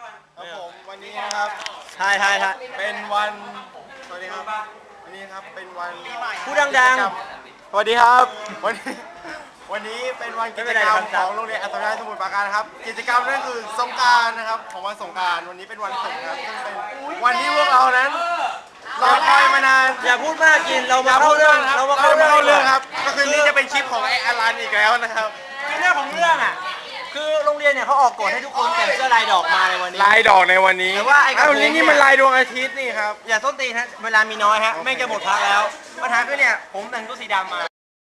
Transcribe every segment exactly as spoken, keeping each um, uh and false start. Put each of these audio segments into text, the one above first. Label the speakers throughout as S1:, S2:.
S1: ครับผมวันนี้นะครับ
S2: ใช่ใช่ใช่
S1: เป็นวันสวัสดีครับวันนี้ครับเป็นวัน
S2: พูดดัง
S1: ๆสวัสดีครับวันนี้วันนี้เป็นวันกิจกรรม
S2: ไม่เป็นไรครับ
S1: ของโรงเรียนอัศวินสมุทรปราการครับกิจกรรมนั่นคือสงกรานต์นะครับของวันสงกรานต์วันนี้เป็นวันศุกร์นะครับซึ่งเป็นวันที่พวกเรานั้นรอคอยมานาน
S2: ๆอย่าพูดมากกินเรา
S1: อ
S2: มา
S1: ย่า
S2: เข้า
S1: พูด
S2: เรื่
S1: เรื่
S2: อ
S1: อง งครับ
S2: เรา
S1: เรา
S2: มาเข้า
S1: จะมาเข้า
S2: เรื่
S1: เรื่
S2: อ
S1: อง ง
S2: ค
S1: ค
S2: รั
S1: รับ บก็คือนี่จะเป็นคลิปของไอ้อลันอีกแล้วนะครับ
S2: คือเรื่องของเรื่องอ่ะคือโรงเรียนเนี่ยเขาออกกฎให้ทุกคนแต่งเสื้อลายดอกมาในวันนี้
S1: ลายดอกในวันนี้
S2: แต่ว่าไอ้กระ
S1: เอ้า
S2: โปรง
S1: นี่นี่มันลายดวงอาทิตย์นี่ครับ
S2: อย่าส้นตีนฮะเวลามีน้อยฮะแม่งจะหมดพักแล้วปัญหาคือเนี่ยผมแต่งตัวสีดำมา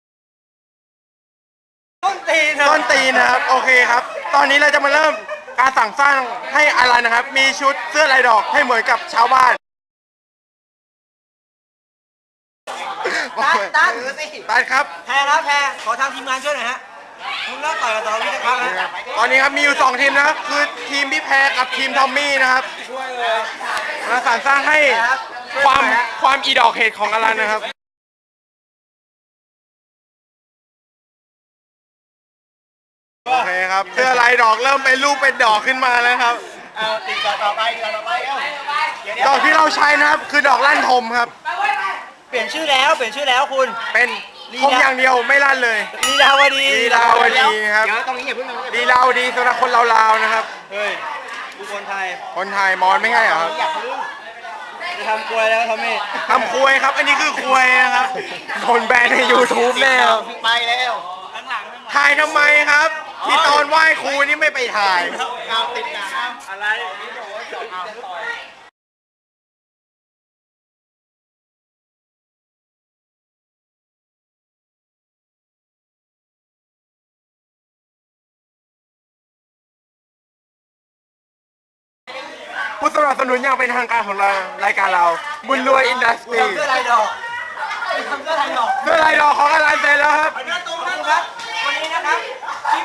S2: ต้นตีน
S1: ต้นตีนนะครับโอเคครับ ตอนนี้เราจะมาเริ่มการสั่งสร้างให้อลันนะครับ มีชุดเสื้อลายดอกให้เหมือนกับชาวบ้าน
S2: ตัดตัดสิ
S1: ตัดครับ
S2: แพรนะแพรขอทางทีมงานช่วยหน่อยฮะคุณเลิกต่อยกับสารวิทย์นะครับนะ
S1: ตอนนี้ครับมีอยู่สองทีมนะครับคือทีมพี่แพรกับทีมทอมมี่นะครับมาสรรสร้างให้ความความอีดอกเห็ดของอลันนะครับโอเคครับเสื้อลายดอกเริ่มเป็นรูปเป็นดอกขึ้นมาแล้วครับ
S2: เอาติดต่อต่อไปติดต่อต่อไปเอ้าเดี๋ยวเดี๋ยว
S1: ดอกที่เราใช้นะครับคือดอกลั่นทมครับ
S2: เปลี่ยนชื่อแล้วเปลี่ยนชื่อแล้วคุณ
S1: เป็นทมอย่างเดียวไม่ลั่นเลย
S2: ลีลาวดี
S1: ลีลาวดีครับ
S2: เดี๋ยวตรงนี้อย่าเพิ่งนะ
S1: ดีลาวดีสำหรับคนลาวๆนะครับ
S2: เฮ้ยทุกคนไทย
S1: คนไทยมอนไม่ง่ายเหรอครับ
S2: อยากรู้จะทำกลวยแล้วทำไม
S1: ทำควยครับ อันนี้คือควยนะครับคนแบนใน YouTube แน่ครับ
S2: ไปแล้วข้างหลัง
S1: ถ่ายทำไมครับ ที่ตอนไหว้ครูนี่ไม่ไปถ่าย
S2: เอาติดหนังอะไรเอาต่อย
S1: ผู้สนับสนุนอย่างเป็นทางการของเรารายการเรา บุญรวยอินดัสทรี
S2: ทำเสื้อลายดอกทำเสื้อลายดอก
S1: เสื้อลายดอกของอลันเสร็จแล้วครับ
S2: เนื้อตรงนั้นครับวันนี้นะครับที